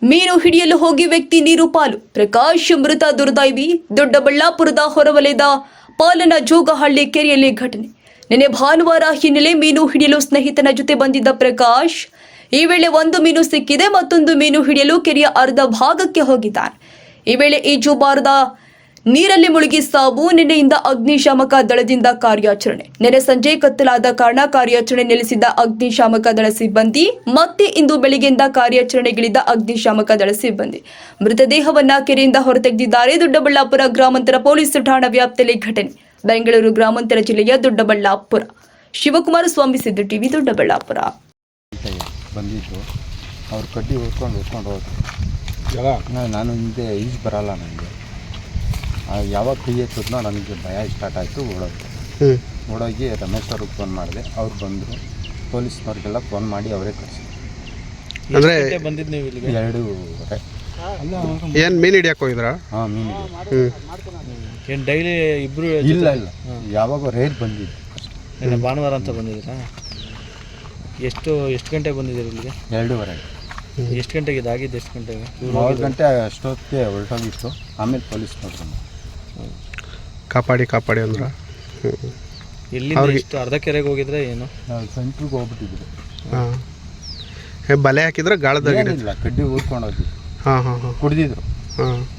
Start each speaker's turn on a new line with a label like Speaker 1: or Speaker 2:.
Speaker 1: ಮೀನು ಹಿಡಿಯಲು ಹೋಗಿ ವ್ಯಕ್ತಿ ನೀರು ಪಾಲು. ಪ್ರಕಾಶ್ ಮೃತ ದುರ್ದೈವಿ. ದೊಡ್ಡಬಳ್ಳಾಪುರದ ಹೊರವಲಯದ ಪಾಲನ ಜೋಗಹಳ್ಳಿ ಕೆರೆಯಲ್ಲಿ ಘಟನೆ. ನಿನ್ನೆ ಭಾನುವಾರ ಹಿನ್ನೆಲೆ ಮೀನು ಹಿಡಿಯಲು ಸ್ನೇಹಿತನ ಜೊತೆ ಬಂದಿದ್ದ ಪ್ರಕಾಶ್ ಈ ವೇಳೆ ಒಂದು ಮೀನು ಸಿಕ್ಕಿದೆ, ಮತ್ತೊಂದು ಮೀನು ಹಿಡಿಯಲು ಕೆರೆಯ ಅರ್ಧ ಭಾಗಕ್ಕೆ ಹೋಗಿದ್ದಾನೆ. ಈ ವೇಳೆ ಈಜುಬಾರದ ನೀರಲ್ಲಿ ಮುಳುಗಿ ಸಾವು. ನಿನ್ನೆಯಿಂದ ಅಗ್ನಿಶಾಮಕ ದಳದಿಂದ ಕಾರ್ಯಾಚರಣೆ. ನಿನ್ನೆ ಸಂಜೆ ಕತ್ತಲಾದ ಕಾರಣ ಕಾರ್ಯಾಚರಣೆ ನಿಲ್ಲಿಸಿದ್ದ ಅಗ್ನಿಶಾಮಕ ದಳ ಸಿಬ್ಬಂದಿ ಮತ್ತೆ ಇಂದು ಬೆಳಿಗ್ಗೆಯಿಂದ ಕಾರ್ಯಾಚರಣೆಗಿಳಿದ ಅಗ್ನಿಶಾಮಕ ದಳ ಸಿಬ್ಬಂದಿ ಮೃತದೇಹವನ್ನ ಕೆರೆಯಿಂದ ಹೊರತೆಗೆದಿದ್ದಾರೆ. ದೊಡ್ಡಬಳ್ಳಾಪುರ ಗ್ರಾಮಾಂತರ ಪೊಲೀಸ್ ಠಾಣಾ ವ್ಯಾಪ್ತಿಯಲ್ಲಿ ಘಟನೆ. ಬೆಂಗಳೂರು ಗ್ರಾಮಾಂತರ ಜಿಲ್ಲೆಯ ದೊಡ್ಡಬಳ್ಳಾಪುರ. ಶಿವಕುಮಾರ ಸ್ವಾಮಿ, ಸಿದ್ದು ಟಿವಿ, ದೊಡ್ಡಬಳ್ಳಾಪುರ.
Speaker 2: ಬಂದಿದ್ದು ಅವ್ರು ಕಡ್ಡಿ ಓದ್ಕೊಂಡು ಹೋದ್ರು. ನಾನು ಹಿಂದೆ ಈಜು ಬರಲ್ಲ ನನಗೆ. ಯಾವಾಗ ಕೈ ಎತ್ತಿದ್ನೋ ನನಗೆ ಭಯ ಸ್ಟಾರ್ಟ್ ಆಯಿತು. ಓಡೋಗಿ ರಮೇಶ್ ಅವ್ರಿಗೆ ಫೋನ್ ಮಾಡಿದೆ. ಅವ್ರು ಬಂದರು. ಪೊಲೀಸ್ನವ್ರಿಗೆಲ್ಲ ಫೋನ್ ಮಾಡಿ ಅವರೇ ಕಳಿಸಿದ್ರು.
Speaker 3: ಅಂದರೆ
Speaker 2: ಬಂದಿದ್ದು ನೀವು ಇಲ್ಲಿಗೆ 2:30.
Speaker 3: ಏನು ಮೀನು ಹಿಡಿಯಕ್ಕೆ ಹೋಗಿದ್ರಾ?
Speaker 2: ಹಾಂ, ಮೀನು
Speaker 4: ಏನು ಡೈಲಿ ಇಬ್ಬರು?
Speaker 2: ಇಲ್ಲ, ಯಾವಾಗ ರೇರ್ ಬಂದಿದ್ದು.
Speaker 4: ನಿನ್ನೆ ಭಾನುವಾರ ಅಂತ ಬಂದಿದ್ದೀರಾ? ಎಷ್ಟು ಗಂಟೆಗೆ ಬಂದಿದ್ದೀರಿ ಇಲ್ಲಿಗೆ?
Speaker 2: 2:30.
Speaker 4: ಎಷ್ಟು ಗಂಟೆಗೆ ಇದಾಗಿದ್ದು? ಎಷ್ಟು ಗಂಟೆಗೆ?
Speaker 2: 4 ಗಂಟೆ ಅಷ್ಟೊತ್ತಿಗೆ ಹೊರಟೋಗಿತ್ತು. ಆಮೇಲೆ ಪೊಲೀಸ್ನವ್ರು
Speaker 3: ಕಾಪಾಡಿ ಅಂದ್ರೆ
Speaker 4: ಎಲ್ಲಿಂದ ಎಷ್ಟು ಅರ್ಧ ಕೆರೆಗೆ ಹೋಗಿದ್ರೆ ಏನು?
Speaker 2: ನಾವು ಸೆಂಟ್ರಿಗೆ ಹೋಗ್ಬಿಟ್ಟಿದ್ರು.
Speaker 3: ಹಾಂ, ಬಲೆ ಹಾಕಿದ್ರೆ ಗಾಳದಾಗ
Speaker 2: ಇಲ್ಲ, ಕಡ್ಡಿ ಊದ್ಕೊಂಡು ಹೋಗಿದ್ದು.
Speaker 3: ಹಾಂ
Speaker 2: ಕುಡಿದಿದ್ರು.
Speaker 3: ಹಾಂ